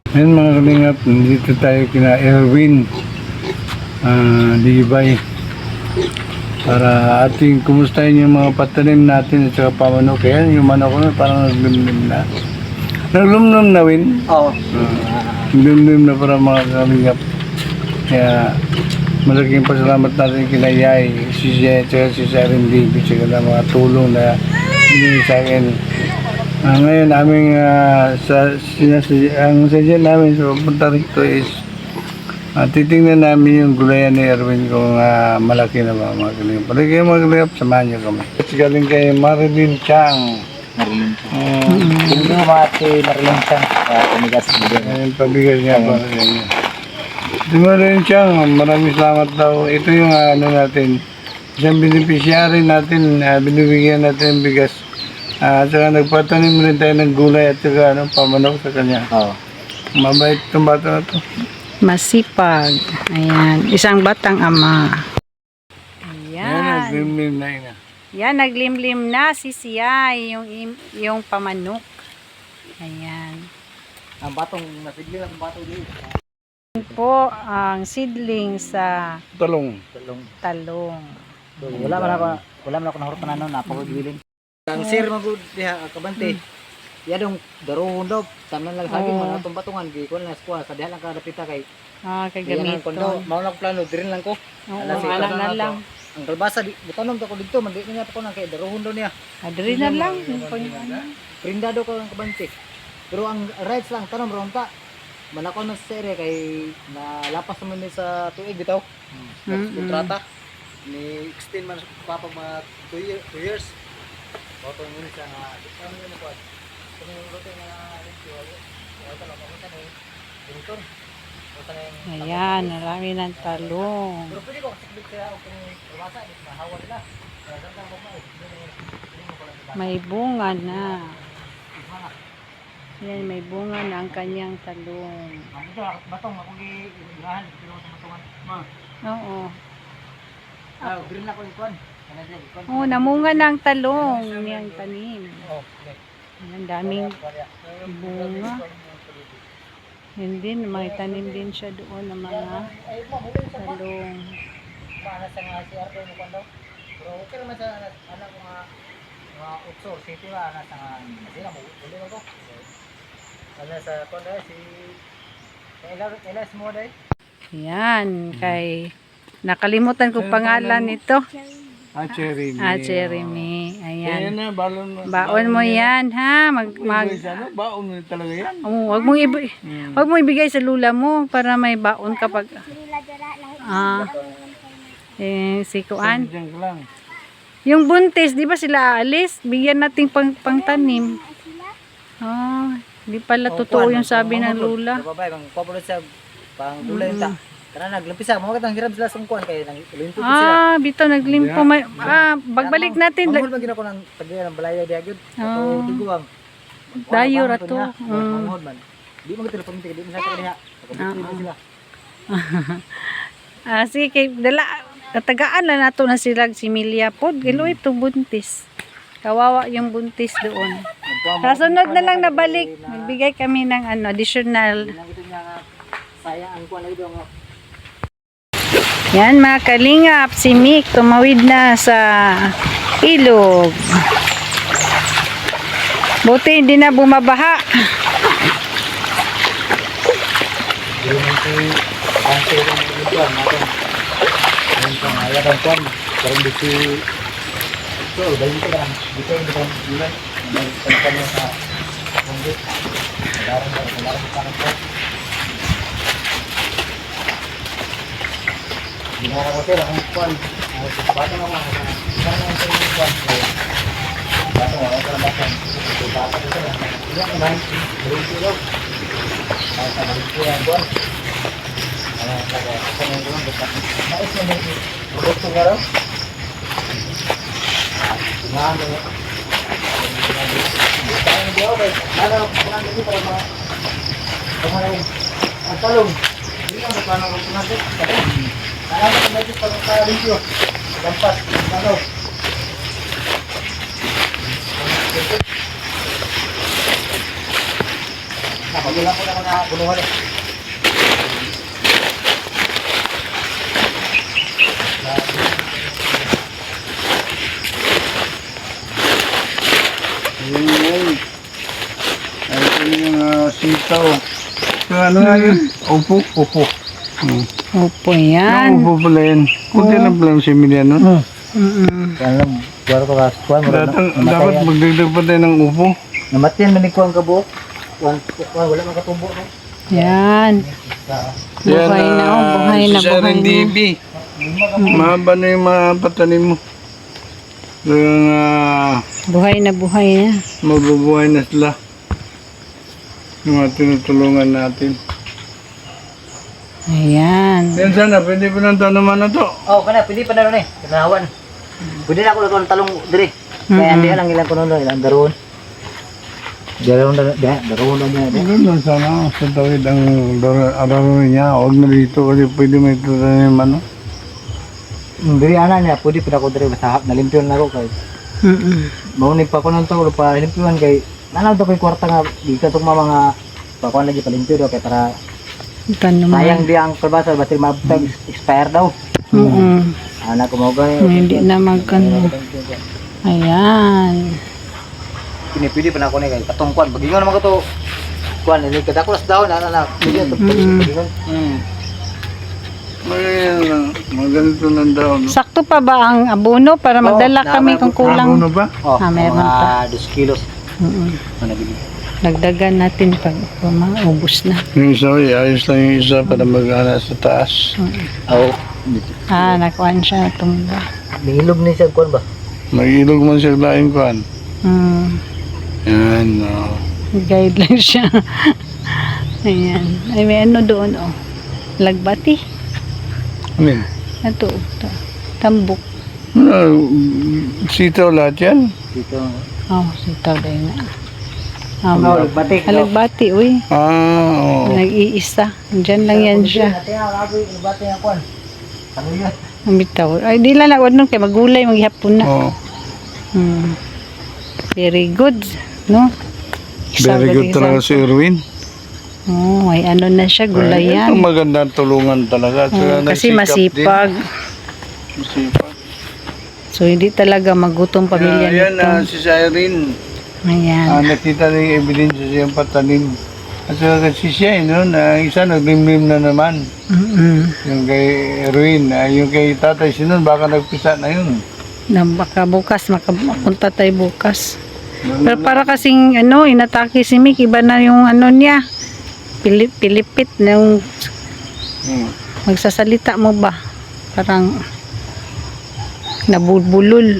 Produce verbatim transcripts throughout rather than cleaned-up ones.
Ngayon mga kalingap, nandito tayo kina Erwin uh, Libay para ating kumustahin yung mga patanim natin at saka pamanok. Kaya yung manok ko parang naglumlum na. Naglumlum na, Win? Oo. Uh, naglumlum na para mga kalingap. Kaya malaking pasalamat natin kina Yay, si Jay, at saka si Siren David, at saka na mga tulong na hindi sa akin. Uh, ngayon aming uh, sa sinasya, ang sadya namin sa so, punta rito is uh, titingnan namin yung gulayan ni Erwin kung uh, malaki na ba mga kalingap. Pwede kayo mga kalingap, samahan niyo kami. Kasi galing kay Marilyn Chang. Marilyn Chang. Uh, Hindi mo mati Marilyn Chang. Kaya tumigas mo din. Ayun, pabigas niya para sa inyo. Si Marilyn Chang, maraming salamat daw. Ito yung uh, ano natin, isang beneficiary natin, uh, binibigyan natin ng bigas. Ah, at saka nagpatanim rin tayo ng gulay at saka ano, pamanok sa kanya. Oo. Mabait itong bata na to. Masipag. Ayan. Isang batang ama. Ayan, Ayan. naglimlim na ina. Yan, naglimlim na si Siyay, yung, im- yung pamanok. Ayan. Ang batong nasigli ang batong dito. Yan po ang seedling sa Talong. Talong. talong. So, wala man ako, wala man ako nahurutan na noon, napakagwiling. Ang sir magud diha kabante. Yadong daruhon daw, tanan lang saging Oo. man atong batungan gi kun nas kuha sa diha lang kada pita kay. Ah, Yan ang kondo, kagamiton. mao lang plano dirin lang ko. Oo, Alas, ala ikaw na na lang. Ang kalbasa di butanom ko dito, man di niya ko nang kay daruhon daw niya. Adri na lang. Yung pang- Prindado ko ang kabante. Pero ang rights lang tanom ron ta. Manako na sa ere kay nalapas naman ni sa tuig bitaw. Mm-mm. Kontrata ni extend man sa papa mga two years. Oto mo ni sa ano mo ko. Kung yung rote na ito, ito lang mo sa ni dito. Ayan, marami ng talong. Pero pwede ko kasi kaya kung rumasa ni mahawa nila. Kaya ganda mo ba? May bunga na. Yan, may bunga na ang kanyang talong. Ang ito batong ako gi ilahan pero sa batongan. Ma. Oo. Ah, green na ko yung kwan. Ano din? Kwan. Oh, namunga na ang talong niyang tanim. Oh, okay. Ang daming bunga. Yun din, may tanim din siya doon ng mga Ay, mo huli sa ba? talong. Paano sa nga si Ardo mo kwan daw? Pero okay naman sa anak anak ko nga mga utso, city nga anak sa nga sila mo huli mo ko. Ano sa kwan daw si Elas Elas mo dai. Yan, kay nakalimutan ko pangalan nito. Ah, Cherry. Ah, Jeremy. Ayan Ayan. na, balon mo. Baon mo yan, ha? Mag, mag, Mag... Ano, baon mo talaga yan. oh, wag mong ibigay, Hmm. wag mong ibigay sa lula mo para may baon kapag, ah, eh, si Kuan. Diyan ka lang. Yung buntis, di ba sila aalis? Bigyan natin pang, pangtanim. Ah, di pala totoo yung sabi ng lula. Babay bang popular sa pang dulay ta. Kana naglumpisa mo katang hirap sila sa kuan kay nang limpo sila. Ah, bito naglimpo. May, ah, bagbalik natin. Manghod man gina ko nang tagya ng balaya diha gyud. Ah. Ato tiguang. Dayo ra to. Mm. Manghod man. Di mo gid telefon di mo sa diha. Pagkabit sila. Ah, sige, kay dala, tagaan lang nato na sila si Milia pod. Gilo ito buntis. Kawawa yung buntis doon. Sa sunod na lang nabalik, magbigay kami ng ano, additional. Nang ito niya nga sayang ang kuan lagi daw nga. Yan mga kalingap, si Mick tumawid na sa ilog. Buti hindi na bumabaha. Di mo si ang sayang ng kuan natin. Ang pangaya ng kuan. Karon dito so dahil ko lang dito yung kan bulan. Dahil sa kanya sa pundit. Daran daran daran daran ko. Ginawa ko sila ang kuan. Ang bata na mga sana ang sayang kuan. Bata wala ka lang bata. Bata ko sila. Iya kan. Dito daw. Ay sa dito ang kuan. Ano kaya ako nang kuan basta. Nais mo ng produkto nga raw. Ano mo? Ano di ako ano kuan dito para mga kumain ang talong. Hindi ka paano ko natin. Alam mo kung ito pag sa review. Lampas. Ano? Ako Okay lang po na mga bunuhan eh. Ayun yun. Ayun yung mga sitaw. So, ano nga yun? Upo? Upo. Hmm. Opo Yung yan. upo pala yun. Kunti lang pala yung similya nun. Hmm. Mm-mm. Kaya lang, buwaro ko ka, kuhan mo rin. Dapat, dapat magdagdag pa tayo ng upo. Namatiyan, manikuhan ka buhok. Kuhan, kuhan, wala mga katubo. No? Yan. Buhay na oh, buhay na, si buhay Sharon na. D B. Mahaba na yung mga patanim mo. Kaya nga, Buhay na, buhay na. mabubuhay na sila. Yung mga tinutulungan natin. Ayan. Yan sana, pwede pa ng tanaman na to. Oh, kana, pwede pa na rin eh. Kanahawan. Pwede na ako lang ng talong dire. Kaya hindi lang ilang kuno ilang daron. Daron na, daron na niya. Ganun sana, sa tawid ang araw niya. Huwag na dito kasi pwede may tatanim ano. Diri ana niya, pwede pa ako dire basta nalimpyon na ako kay. Mm-mm. Mauni pa ko nang tawo pa limpyon kay. Nanaw to kay kwarta nga di ka tong mga pakuan lagi palimpyo kay para Ito sayang naman. di ang perbasa basta mabutag expire daw. Oo. Anak ko mo gay. Hindi na magkano. Ayan. Kini pwede pa na ako ni kay katong kuan bagingon naman ko to. Kuan ni kada ko las daw na na. Pwede to bagingon. Hmm. May lang, mga ganito lang daw. No? Sakto pa ba ang abono para magdala Oo, kami kung kulang? Ano ba? Oh, Ah, meron mga two kilos. Mm-mm. Ano bili? Dagdagan natin pag maubos na. Yung isa, ayos lang yung isa para mag-ana sa taas. Oh, Ah, nakuhaan siya. Tumba. nihilog ni siya kuan ba? Mag-ilog man siya laing kuhan. Hmm. Yan, no. Guide lang siya. Ayan. Ay, may ano doon, oh. Lagbati. Amin. Ito, ito. Tambok. Ano, sitaw lahat yan? Dito. Oh, sitaw din na. Ah, Oh, batik. Halagbati, uy. Ah, oo. Nag-iisa. Diyan lang yan siya. Ate nga abi bati nga kuan. Ano yun? Ang bitaw. Ay, di lang na. Wad nun kay magulay, maghihapon na. Oo. Hmm. Very good. No? Isa Very good talaga si Erwin. Oh, ay ano na siya, Ito gulayan. magandang tulungan talaga. Oh, Saka kasi nagsikap masipag. din. Masipag. So, hindi talaga magutom pamilya Kaya, yan, nito. ah, si Cyrene. Ayan. Ah, nakita na yung ebidensya siyang patanim. At saka kasi siya, eh, no, na isa naglimlim na naman. Mm-mm. Yung kay Erwin, ah, yung kay Tatay Sinon, baka nagpisa na yun. Na baka bukas, makapunta tayo bukas. Pero para kasing, ano, inatake si Mick, iba na yung ano niya. Pilip, pilipit na yung Hmm. magsasalita mo ba? Parang nabulbulol.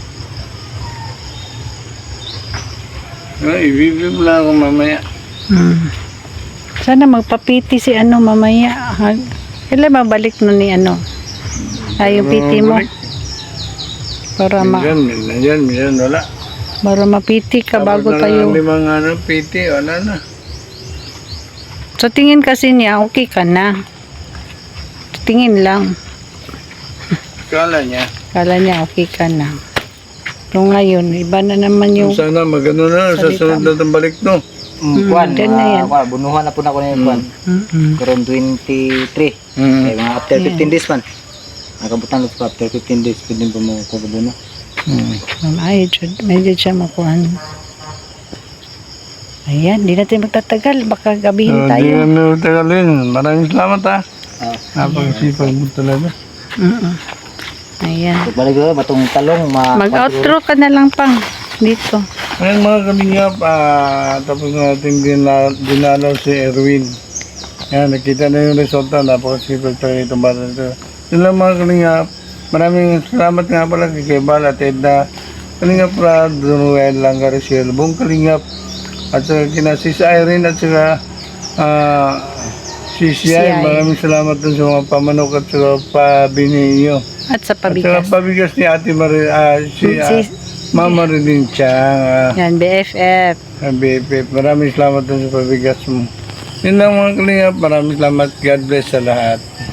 Ah, ibibig lang ako mamaya. Hmm. Sana magpapiti si ano mamaya. Ha? Kailan mabalik no ni ano? Ay, yung piti mo. Para ma Minsan, minsan, minsan, wala. para mapiti ka bago Tapos na tayo. lang limang ano, piti, wala na. So tingin kasi niya okay ka na. Tingin lang. Kala niya. Kala niya okay ka na. Pero ngayon, iba na naman yung Sana magano na, sa Salita sunod na itong balik no. Mm, kuan. dyan na yan. ah, kuan, bunuhan na po na ko na yung kuan. Mm-mm. Karon twenty-three. Hmm. Kaya mga after fifteen days man. Nakabutan ko pa after fifteen days pwede pa mo ko buno. Hmm. Ay, jud- medyo siya makuhan. Ayan, di natin magtatagal. Baka gabihin So, di tayo. kami tagalin. Maraming salamat ha. Ah, Napag-isipag mo talaga. Mm-mm. Ayan. balik ko batong talong ma Mag-outro ka na lang pang dito. Ngayon mga kalingap, ah, tapos natin dina, dinalaw si Erwin. Yan, nakita na yung resulta. Napakasipag talaga itong bata nito. Yun lang mga kalingap. Maraming salamat nga pala kay Kebal at Edna. Kalingap Rad, Dunuel, Langarisiel, buong kalingap. At saka kina Sis Irene at saka ah, Sis Si Yay. Yay. Maraming salamat dun sa mga pamanok at saka pabini niyo. At sa At saka pabigas. pabigas ni Ate Marie, ah, si ah, Si- Mama Rilin Chang, ah, Yan, B F F. B F F. Maraming salamat dun sa pabigas mo. Yun lang mga kalingap. Maraming salamat. God bless sa lahat.